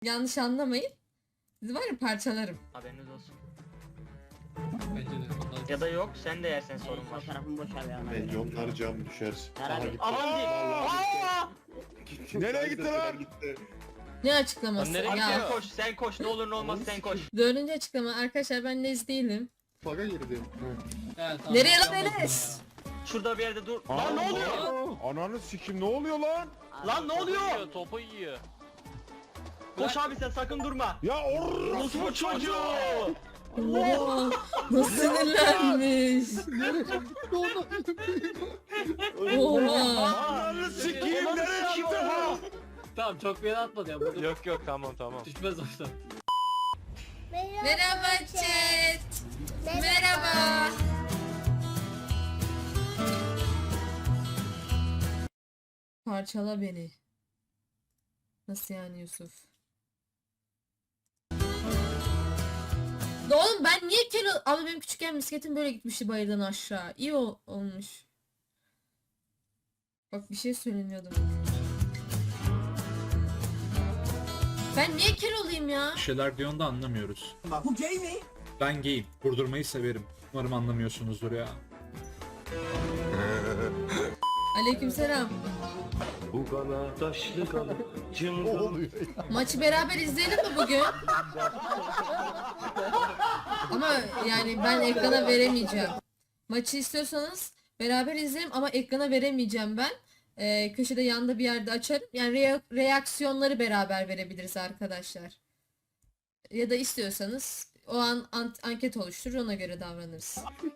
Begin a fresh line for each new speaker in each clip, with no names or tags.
Yanlış anlamayın. Sizi var ya parçalarım.
Haberiniz olsun.
Bence de.
Ya da yok sen de yersen sorun var.
Fotoğrafımı boş ver ya.
Bence onlar cam düşersin.
Herhalde.
Aha gitti.
Aman diyeyim.
Nereye gitti lan? Gitti.
Ne açıklaması?
Nereye
Abi
Ya.
sen koş sen koş ne olur ne olmaz sen koş.
Dördüncü açıklama. Arkadaşlar ben Nez değilim.
Faga girdim.
Evet, tamam.
Nereye lan
Yapmadım
Enes?
Şurada bir yerde dur. Lan ne oluyor?
Ananı sikim ne oluyor lan?
Lan ne oluyor?
Topu yiyor.
Koş abi sen sakın durma.
Ya
Nasıl bu çocuğu?
Oo, nasıl sinirlenmiş. Oha.
Ananı sikeyim nereye attın?
Tamam çok bir yere atmadı ya. Burada
Yok tamam.
düşmez orada.
Merhaba chat. Merhaba. Parçala beni. Nasıl yani Yusuf? Oğlum ben niye kilo... Abi benim küçükken bisikletim böyle gitmişti bayırdan aşağı. İyi olmuş. Bak bir şey söylemiyordum. Ben niye kiloluyum ya?
Bir şeyler diyorsun da anlamıyoruz.
Bu gay mi?
Ben gayim. Vurdurmayı severim. Umarım anlamıyorsunuzdur ya.
Aleykümselam.
Bu kana taşlı kana
Ne
cıngıl.
oluyor?
Maçı beraber izleyelim mi bugün? Ama yani ben ekrana veremeyeceğim. Maçı istiyorsanız beraber izleyelim ama ekrana veremeyeceğim ben. Köşede yanda bir yerde açarım. Yani reaksiyonları beraber verebiliriz arkadaşlar. Ya da istiyorsanız o an anket oluşturur ona göre davranırız.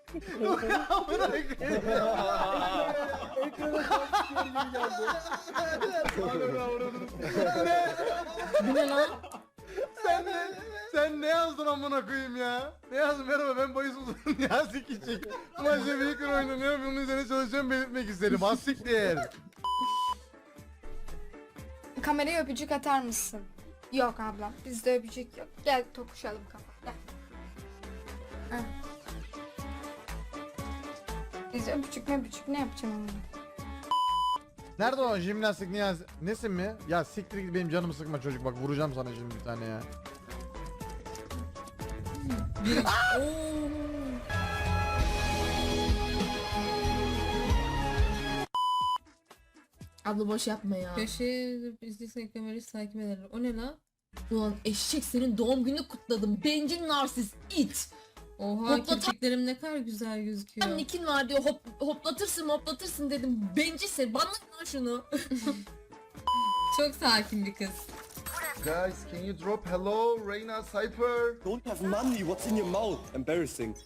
Bu ne lan?
Sen ne yazdın amına koyayım ya? Ne yazdın? Merhaba ben Bayis Uzun ya sikecek. Maçta Baker oynanıyor. Bunun üzerine çalışıyorum belirtmek isterim. Az siktir.
Kameraya öpücük atar mısın? Yok ablam. Bizde öpücük yok. Gel tokuşalım kafa. Gel. Ha. Biz öpücük ne yapacağım onu?
Nerede o jimnastik Niyaz? Nesin mi? Ya siktir git benim canımı sıkma çocuk bak vuracağım sana şimdi bir tane ya.
Abla boş yapma ya. Köşeye izleysen kamerayı takip ederler. O ne lan? Ulan eşek senin doğum gününü kutladım. Bencil narsist it. Oha kirpiklerim ne kadar güzel gözüküyor. Nikin var diyor hoplatırsın dedim. Bencilsin bana lan şunu. Çok sakin bir kız.
Guys can you drop hello Reyna Cypher?
Don't have money. What's in your mouth? Embarrassing.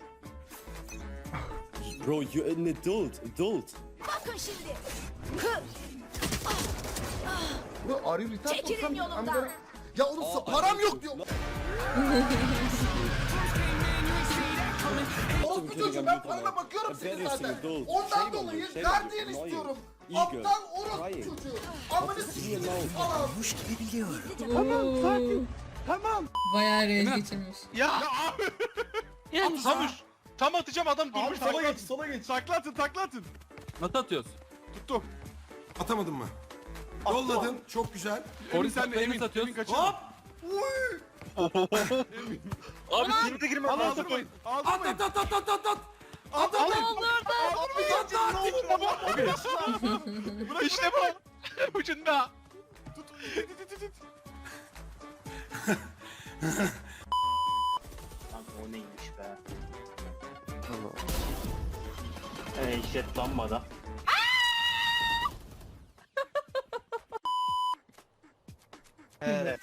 Bro, you're an adult.
Bro are you retarded? Çekilin yolumdan. Ya oğlum param yok diyor. Oğlum bu çocuğum ben parana bakıyorum senin zaten. Ondan dolayı gardiyan istiyorum. Aptal orospu çocuğu. Amını sikeyim.
Kuş gibi biliyor.
Tamam. Bayağı rage geçirmiş.
Ya abi. Tam atacağım adam durmuş. Sola geç. Takla atın.
Nasıl atıyoruz?
Tuttum.
Atamadın mı? Yolladın. Çok güzel.
Emin sen de emin
atıyoruz.
Hop. Abi şimdi de girmem lazım.
At at at at at at at.
At at. Buna işte bu. Ucunda. Tut.
Lan o neymiş be. İşte lambada.
Evet.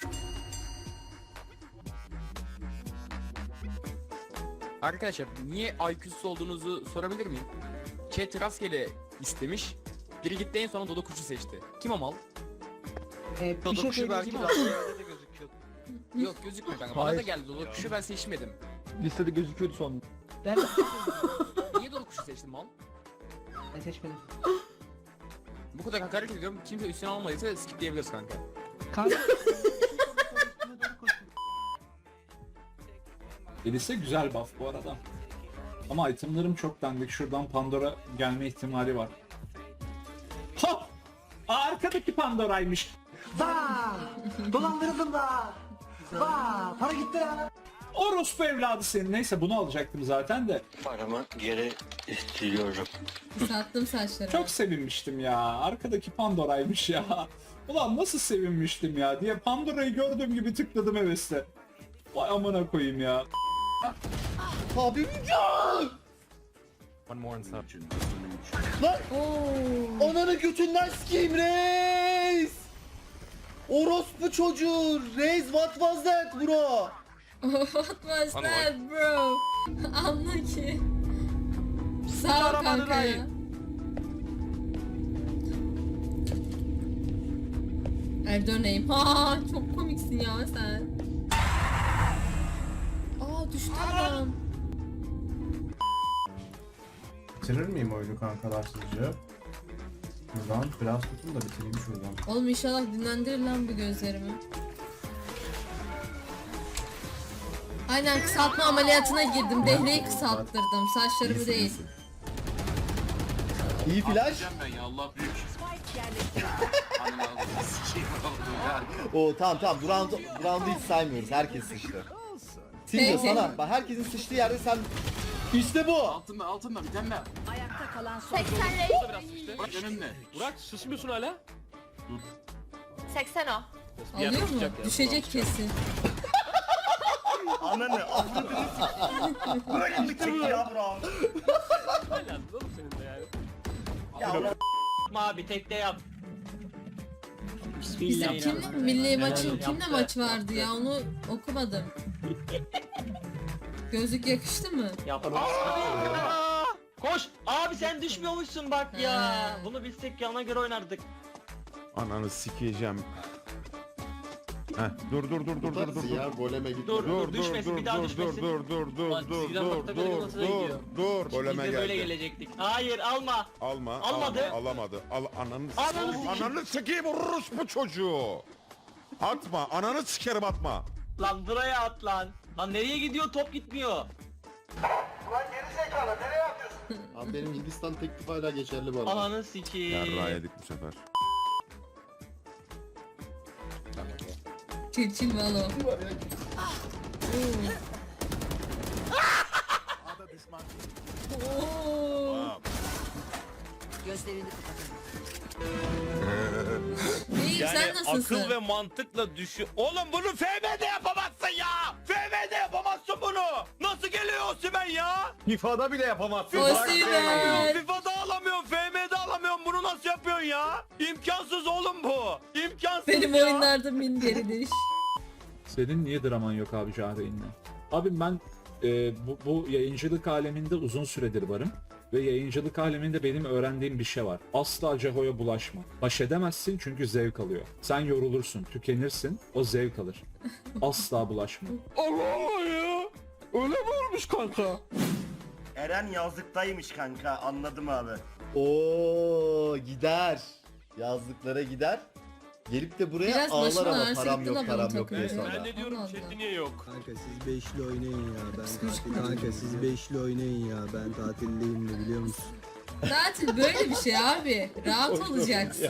Arkadaşlar niye IQ'suz olduğunuzu sorabilir miyim? Chat rastgele istemiş. Biri gitti en son Dodo kuşu seçti. Kim o mal?
Dodo kuşu belki
Kim o?
başka yerde de gözüküyor.
Yok gözükmüyor kanka. Bana da geldi Dodo kuşu ben seçmedim.
Listede gözüküyordu son.
Niye Dodo kuşu seçtin mal?
Ben seçmedim.
Bu kadar hakaret ediyorum. Kimse üstüne almadıysa skip diyebiliriz kanka.
Elise güzel buff bu arada. Ama itemlerim çok dandik. Şuradan Pandora gelme ihtimali var. Hop! Arkadaki Pandora'ymış.
Dolandırıldım da.
Para gitti lan.
Orospu evladı senin. Neyse bunu alacaktım zaten de.
Paramı geri istiyorum.
Sattım saçlarımı.
Çok sevinmiştim ya. Arkadaki Pandora'ymış ya. Ulan nasıl sevinmiştim ya diye Pandora'yı gördüğüm gibi tıkladım hevesle. Vay amına koyayım ya.
Abim
One more inside.
Oo.
ananı götünden sikeyim reis. Orospu çocuğu. Reis what was that bro?
What was that bro? Anla ki. Sağ ol kanka ya. Erdoğan'ayım. Ha çok komiksin ya sen. Aa düştü adam.
Bitirir miyim oyunu kankalar sizce? Buradan biraz tutun da bitireyim şuradan.
Oğlum inşallah dinlendirir lan bu gözlerimi. Aynen kısaltma ameliyatına girdim. Dehreyi kısalttırdım. Saçlarımı değil.
İyi flash.
Ben ya Allah büyük.
Oo tamam bu round'u hiç saymıyoruz. Herkes sıçtı. Silvio
Peki.
sana. Bak herkesin sıçtığı yerde sen... İşte bu.
Altında bir tane daha.
Ayakta kalan son.
80 biraz işte. Burak önünde. Burak susmuyorsun hala.
80 o.
Alıyor mu? Düşecek kesin.
Ananı avradını bırakın bir tek ya bro. Ya abi tek de yap.
Bizim kimle milli maçın kimle maç vardı ya onu okumadım. Gözlük yakıştı mı?
Koş abi sen düşmüyormuşsun bak ya.
Ha.
Bunu bilsek yana göre oynardık.
Ananı sikeceğim. Heh, dur.
Ya goleme git.
Dur düşmesin bir daha düşmesin.
Lan çizgiden bakta böyle nasıl gidiyor?
dur.
Biz
Goleme
de böyle
geldi.
gelecektik. Hayır alma. Almadı.
Alamadı.
Ananı
Ananı sikeyim orospu çocuğu. Atma. Ananı sikerim atma.
Lan buraya at lan. Lan nereye gidiyor top gitmiyor.
Abi benim Hindistan teklifi hala geçerli bu arada.
Ananı sikeyim.
Yarrağı yedik bu sefer.
Çirçin valo. Oo.
Gözlerini kapatın.
İyiyim sen nasılsın?
mantıkla düşün. Oğlum bunu FM'de yapamazsın ya. FM'de yapamazsın bunu. Nasıl geliyor Osimhen ya?
FIFA'da bile yapamazsın.
Osimhen.
FIFA'da alamıyorum, FM'de alamıyorum. Bunu nasıl yapıyorsun ya? İmkansız oğlum bu. İmkansız
Benim
ya.
oyunlarda minderidir.
Senin niye draman yok abi Cahreyn'le? Abi ben bu yayıncılık aleminde uzun süredir varım. Ve yayıncılık aleminde benim öğrendiğim bir şey var. Asla Ceho'ya bulaşma. Baş edemezsin çünkü zevk alıyor. Sen yorulursun, tükenirsin, o zevk alır. Asla bulaşma.
Allah Allah ya. Öyle mi olmuş kanka?
Eren yazlıktaymış kanka anladım abi.
Oo gider. Yazlıklara gider. Gelip de buraya
Biraz
ağlar
başım
ama
ağrısı
param
gitti
yok
lan
param
bunun
yok diye
takımı.
sonra.
Ben de diyorum, chat'te
niye yok?
Kanka siz beşli oynayın ya kanka siz beşli oynayın ya ben tatildeyim de biliyor musun?
Tatil böyle bir şey abi. Rahat olacaksın.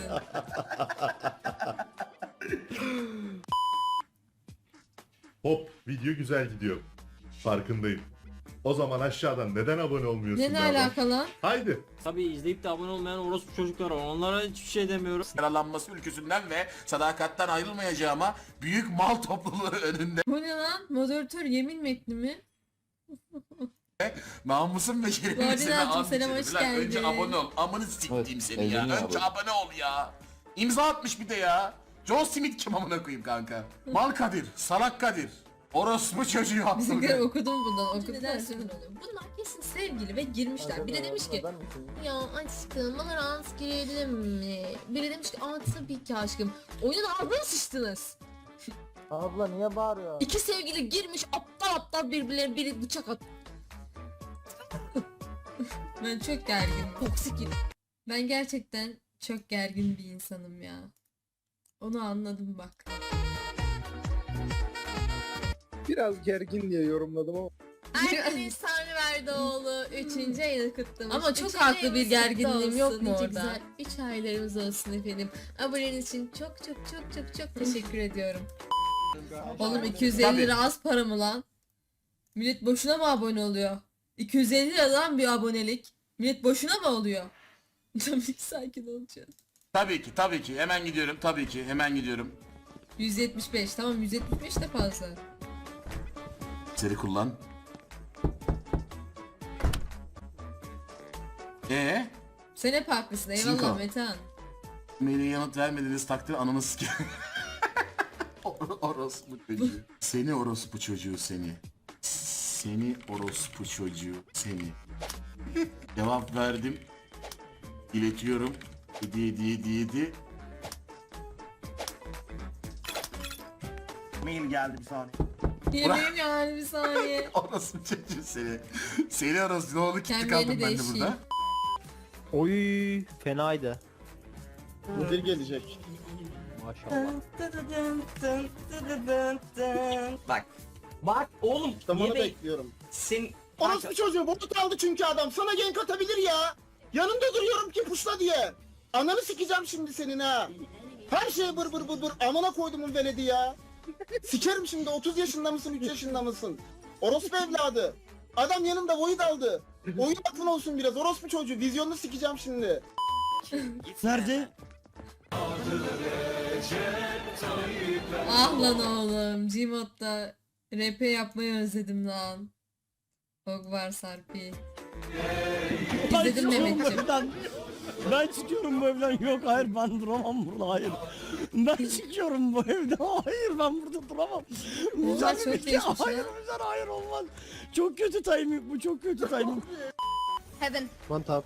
Hop video güzel gidiyor. Farkındayım. O zaman aşağıdan neden abone olmuyorsun?
Ne alakalı?
Haydi.
Tabii izleyip de abone olmayan orospu çocuklar var. Onlara hiçbir şey demiyorum.
Yaralanması ülküsünden ve sadakattan ayrılmayacağıma büyük mal topluluğu önünde
Bu ne lan? Moderatör yemin metni mi?
namusum ve şerefimi
Koordinatör,
and
selam,
içerim.
hoş
Lan önce
geldin.
abone ol. Amını siktiğim seni ya.
elini
Önce abone ol ya. İmza atmış bir de ya. John Smith kim amına koyayım kanka. Mal Kadir, salak Kadir. Orospu çocuğu
Bizimkiler
hakkında.
okudum bundan. Neden sinir oluyor? Bunlar kesin sevgili ve girmişler. Biri demiş ki ya aşkım bana rahat girelim mi? Biri demiş ki aa tabii ki aşkım. Oyunun ağzına sıçtınız.
Abla niye bağırıyor?
İki sevgili girmiş aptal aptal birbirlerine biri bıçak at. Ben çok gerginim. Toksik. Ben gerçekten çok gergin bir insanım ya. Onu anladım bak.
Biraz gergin diye yorumladım ama.
Erkin Sami Verdoğlu 3. ayını kutlamış.
Ama çok
Üçüncü
haklı bir
ayımız
gerginliğim
kutlu
yok
olsun.
mu
Nice
orada?
güzel
3 aylarımız olsun efendim. Aboneniz için çok teşekkür ediyorum. Oğlum 250
Tabii.
lira az para mı lan? Millet boşuna mı abone oluyor? 250 lira lan bir abonelik. Millet boşuna mı oluyor? Tabii ki sakin olacağız.
Tabii ki. Hemen gidiyorum. Tabii ki. Hemen gidiyorum.
175 tamam 175 de fazla.
Seri kullan.
Sen hep haklısın eyvallah
Cinko.
Metehan.
Maile yanıt vermediğiniz takdirde ananı sikeyim. Orospu çocuğu. Seni orospu çocuğu seni. Seni orospu çocuğu seni. Cevap verdim. İletiyorum. 7.
Mail geldi bir saniye.
Yemeğim yani bir saniye.
Orospu çocuğu seni. Seni orospu ne oldu gitti
Kendilerini
kaldım ben de
değişeyim.
burada.
Oy fenaydı.
Müdür gelecek.
Maşallah.
Bak oğlum
Tamamı bekliyorum.
sen
Orospu çocuğu botu kaldı çünkü adam. Sana gank atabilir ya. Yanında duruyorum ki puşla diye. Ananı sikeceğim şimdi senin ha. Her şey bır bır bır bır. Amına koydumun veledi ya. Sikerim şimdi 30 yaşında mısın 3 yaşında mısın? Orospu evladı. Adam yanında void aldı. Oyun aklın olsun biraz orospu çocuğu. Vizyonunu sikeceğim şimdi.
Nerede?
Ah lan oğlum Gmod'da rap yapmayı özledim lan. Hogwarts RP. İzledim Mehmetciğim.
Ben çıkıyorum bu evden. Yok hayır ben duramam burada hayır. Ben çıkıyorum bu evden. Hayır ben burada duramam.
Oha çok değişmiş
Hayır
ya.
güzel hayır olmaz. Çok kötü timing bu çok kötü timing.
Heaven.
One tap.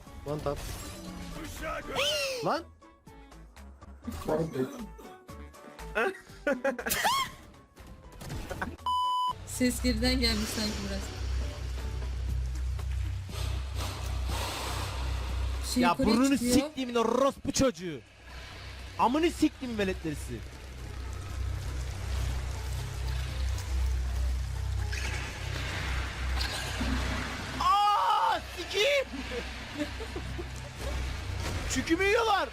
Lan.
Ses geriden gelmiş sanki biraz. Şey
Ya
yukarıya
burnunu
çıkıyor.
siktiğimin orospu çocuğu. Amını siktiğim veletlerisi. Aaa sikiyim. Çükümü yiyorlar.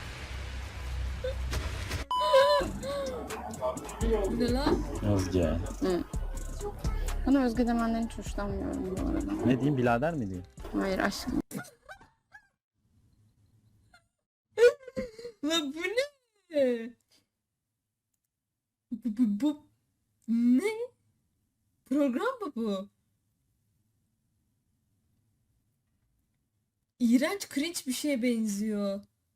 Bu ne lan?
Özge.
Bana Özge demenden hiç hoşlanmıyorum bu arada.
Ne diyeyim birader mi diyeyim?
Hayır aşkım.
Lan bu ne? Bu ne? Program mı bu? İğrenç cringe bir şeye benziyor.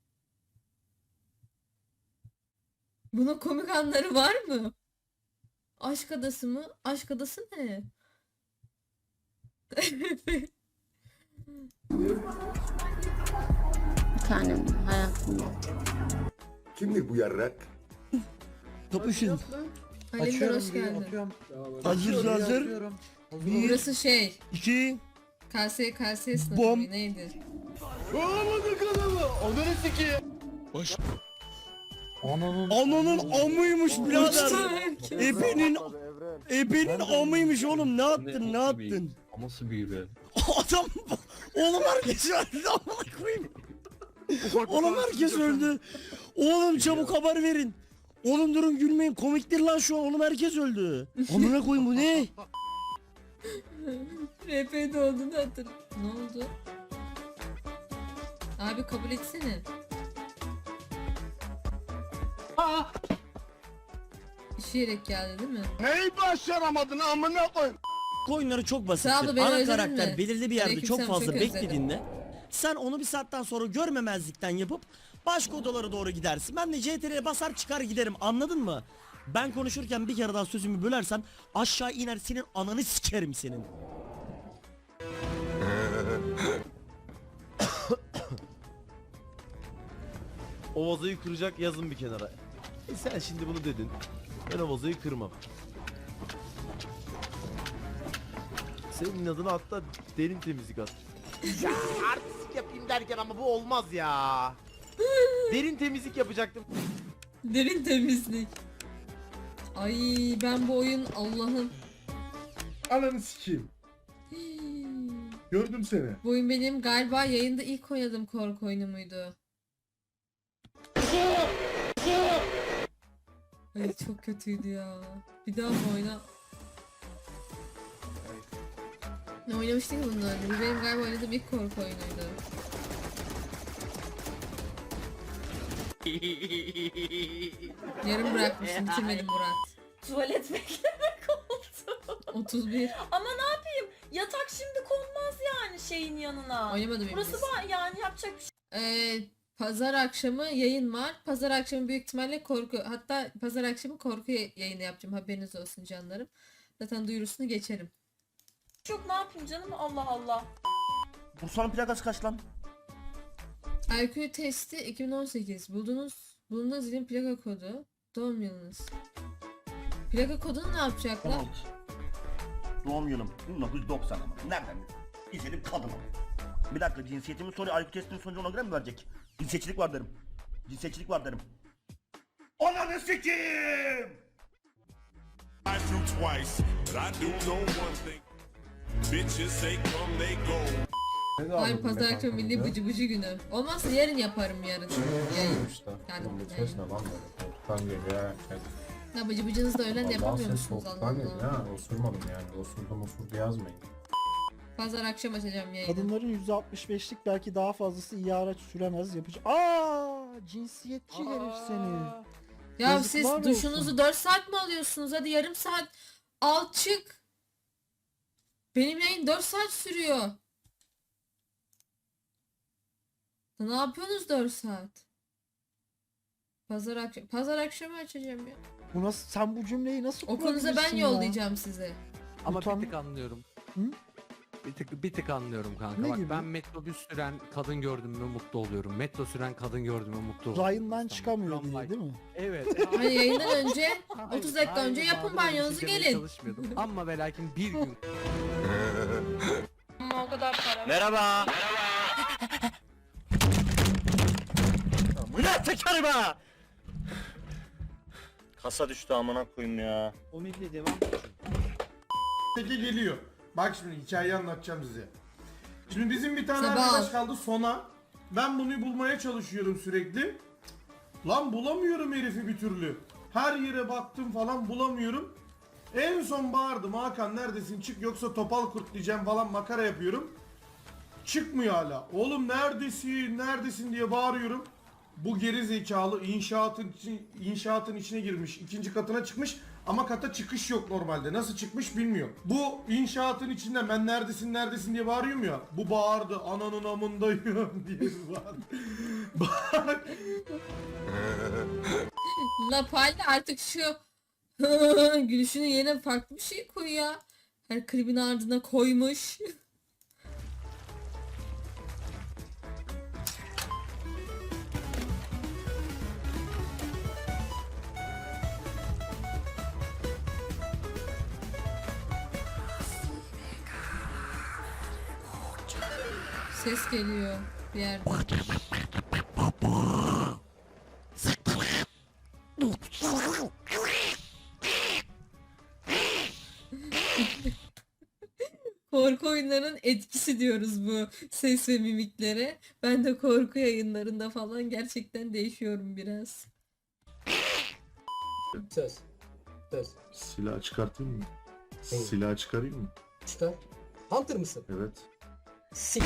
Bunun komik anları var mı? Aşk adası mı? Aşk adası ne?
Bir tanem hayatımda.
Kimdir bu yarrak?
Kapışın.
Alemdar hoş geldin.
Hazır.
Burası şey.
2.
KS sınıfı
Bom.
mı? Neydi?
Onları sikeyim.
Ananın amıymış birader. Ebenin amıymış oğlum ne yaptın?
Nasıl büyü be?
Adam oğlum herkes öldü amına koyayım. Oğlum herkes öldü. Oğlum çabuk haber verin. Oğlum durun gülmeyin komiktir lan şu an oğlum herkes öldü. Amına koyayım bu ne?
RP'de olduğunu hatırlıyorum. Ne oldu? Abi kabul etsene. İşeyerek geldi değil mi?
Neyi başaramadın amına koy.
Oyunları çok
Sağ ol,
basittir.
beni
Ana
özledin
karakter
mi?
belirli bir yerde
Aleykümselam,
çok fazla
çok özledim.
beklediğinde sen onu bir saatten sonra görmemezlikten yapıp başka odalara doğru gidersin. Ben de CTRL'ye basar çıkar giderim anladın mı? Ben konuşurken bir kere daha sözümü bölersen aşağı iner senin ananı sikerim senin.
O vazoyu kıracak yazın bir kenara. Sen şimdi bunu dedin. Ben o vazoyu kırmam. Senin adına hatta derin temizlik at. Ya artistik yapayım derken ama bu olmaz ya. Derin temizlik yapacaktım.
Derin temizlik. Ay ben bu oyun Allah'ım.
Ananı sikeyim. Gördüm seni.
Bu oyun benim galiba yayında ilk oynadığım korku oyunu muydu? Ay çok kötüydü ya. Bir daha mı oyna? Ne oynamıştık ki bundan önce? Bu benim galiba oynadığım ilk korku oyunuydu. Yarım bırakmışım, bitirmedim Murat.
Tuvalet beklemek oldu.
31.
Ama ne yapayım? Yatak şimdi konmaz yani şeyin yanına.
Oynamadım
Burası
henüz.
var yani yapacak bir şey.
Pazar akşamı yayın var. Pazar akşamı büyük ihtimalle korku. Hatta pazar akşamı korku yayını yapacağım. Haberiniz olsun canlarım. Zaten duyurusunu geçerim.
Yok ne yapayım canım Allah Allah.
Bursa'nın plakası kaç lan?
IQ testi 2018. Bulunduğunuz ilin plaka kodu. Doğum yılınız. Plaka kodunu ne yapacaklar?
Doğum yılım 1990 ama. Nereden? İzledim kadın ama. Bir dakika cinsiyetimi soruyor. IQ testinin sonucu ona göre mi verecek? Cinsiyetçilik var derim. Cinsiyetçilik var derim. Ananı sikeyim!
Ay pazar akşamı milli bıcı bıcı günü. Olmazsa yarın yaparım yarın. Yayın. Ya bıcı bıcınızı da öğlen de yapamıyor musunuz Allah Allah.
Osurmadım yani. Osurdu yazmayın.
Pazar akşam açacağım yayını.
Kadınların %65'lik belki daha fazlası iyi araç süremez yapıcı. Cinsiyetçi herif seni.
Ya
Yazıklar
siz
olsun.
duşunuzu 4 saat mi alıyorsunuz? Hadi yarım saat al çık. Benim yayın 4 saat sürüyor. Ne yapıyorsunuz 4 saat? Pazar akşamı açacağım ya.
Bu nasıl, sen bu cümleyi nasıl
Okulunuza ben
kurabilirsin ya?
yollayacağım size.
Ama
Utan-
bir tık anlıyorum.
Hı?
Bir tık anlıyorum kanka.
Ne
Bak
gibi?
ben metrobüs süren kadın gördüm mü mutlu oluyorum. Metro süren kadın gördüm mü mutlu oluyorum.
Rayından çıkamıyor diye değil mi?
Evet.
Hani yayından önce 30 dakika önce yapın banyonuzu gelin.
Çalışmıyordum. Ama ve lakin bir gün
Ama o kadar para.
Merhaba. Bu ne teker be? Kasa düştü amına koyayım ya.
O milli devam.
Peki geliyor. Bak şimdi hikayeyi anlatacağım size. Şimdi bizim bir tane
Sabah.
arkadaş kaldı Sona. Ben bunu bulmaya çalışıyorum sürekli. Lan bulamıyorum herifi bir türlü. Her yere baktım falan bulamıyorum. En son bağırdım Hakan neredesin çık yoksa topal kurt diyeceğim falan makara yapıyorum. Çıkmıyor hala. Oğlum neredesin diye bağırıyorum. Bu geri zekalı inşaatın içine girmiş. İkinci katına çıkmış ama kata çıkış yok normalde. Nasıl çıkmış bilmiyorum. Bu inşaatın içinde ben neredesin diye bağırıyorum ya. Bu bağırdı ananın amındayım diye bağırdı. Bak.
La Palde artık şu gülüşünün yerine farklı bir şey koy ya. Her klibin ardına koymuş. Ses geliyor bir yerden. Korku oyunlarının etkisi diyoruz bu ses ve mimiklere. Ben de korku yayınlarında falan gerçekten değişiyorum biraz.
Ses.
Silah çıkartayım mı? Silah çıkarayım mı?
Çıkar. Hunter mısın?
Evet.
Sik.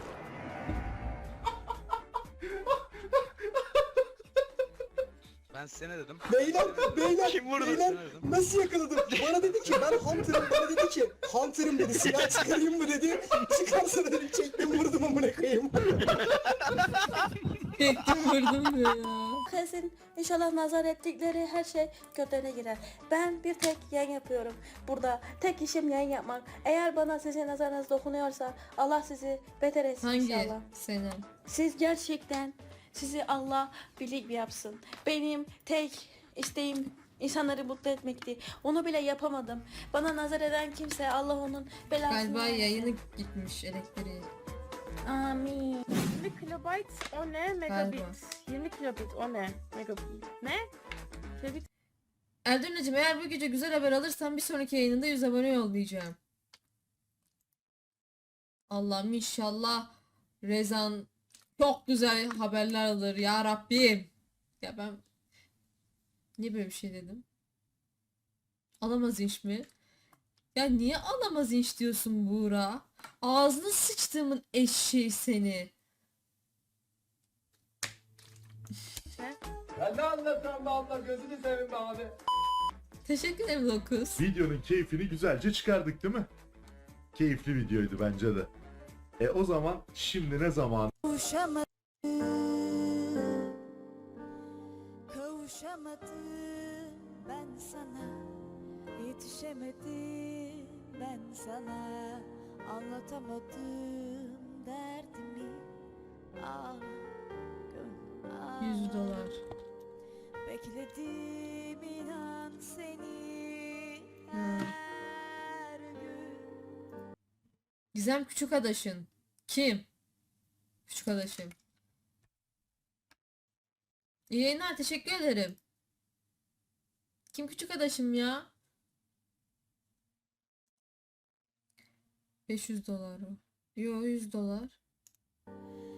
Ben size ne dedim?
Beyler, nasıl yakaladım? Bana dedi ki ben Hunter'ım, bana dedi ki Hunter'ım dedi, silah çıkarayım mı dedi. Çıkarsa dedim çektim vurdum amına koyayım.
Çektim vurdum diyor ya.
Kesin inşallah nazar ettikleri her şey götlerine girer. Ben bir tek yayın yapıyorum. Burada tek işim yayın yapmak. Eğer bana sizin nazarınız dokunuyorsa Allah sizi beter etsin
Hangi
inşallah.
sene?
Siz gerçekten sizi Allah birlik yapsın. Benim tek isteğim insanları mutlu etmekti. Onu bile yapamadım. Bana nazar eden kimse Allah onun belasını
Galiba
versin.
yayını gitmiş elektriği.
Amin.
20 kilobayt o ne? Megabit. 20 kilobit o ne? Megabit. Ne? Kilobit.
Eldurnacığım eğer bu gece güzel haber alırsan bir sonraki yayınında 100 abone yollayacağım. Allah'ım inşallah Rezan çok güzel haberler alır ya Rabbim. Ya ben niye böyle bir şey dedim? Alamaz inç mi? Ya niye alamaz inç diyorsun Buğra? Ağzını sıçtığımın eşeği seni.
Ya ne anlatıyorsun be abla gözünü seveyim be abi.
Teşekkür ederim Lokus.
Videonun keyfini güzelce çıkardık değil mi? Keyifli videoydu bence de. O zaman şimdi ne zaman?
Kavuşamadım ben sana, yetişemedim ben sana, anlatamadım derdimi. Ah,
$100.
bekledim inan seni
Ha.
her gün.
Gizem küçük adaşın. Kim? Küçük adaşım. İyi yayınlar, teşekkür ederim. Kim küçük adaşım ya? $500 o. Yo, $100.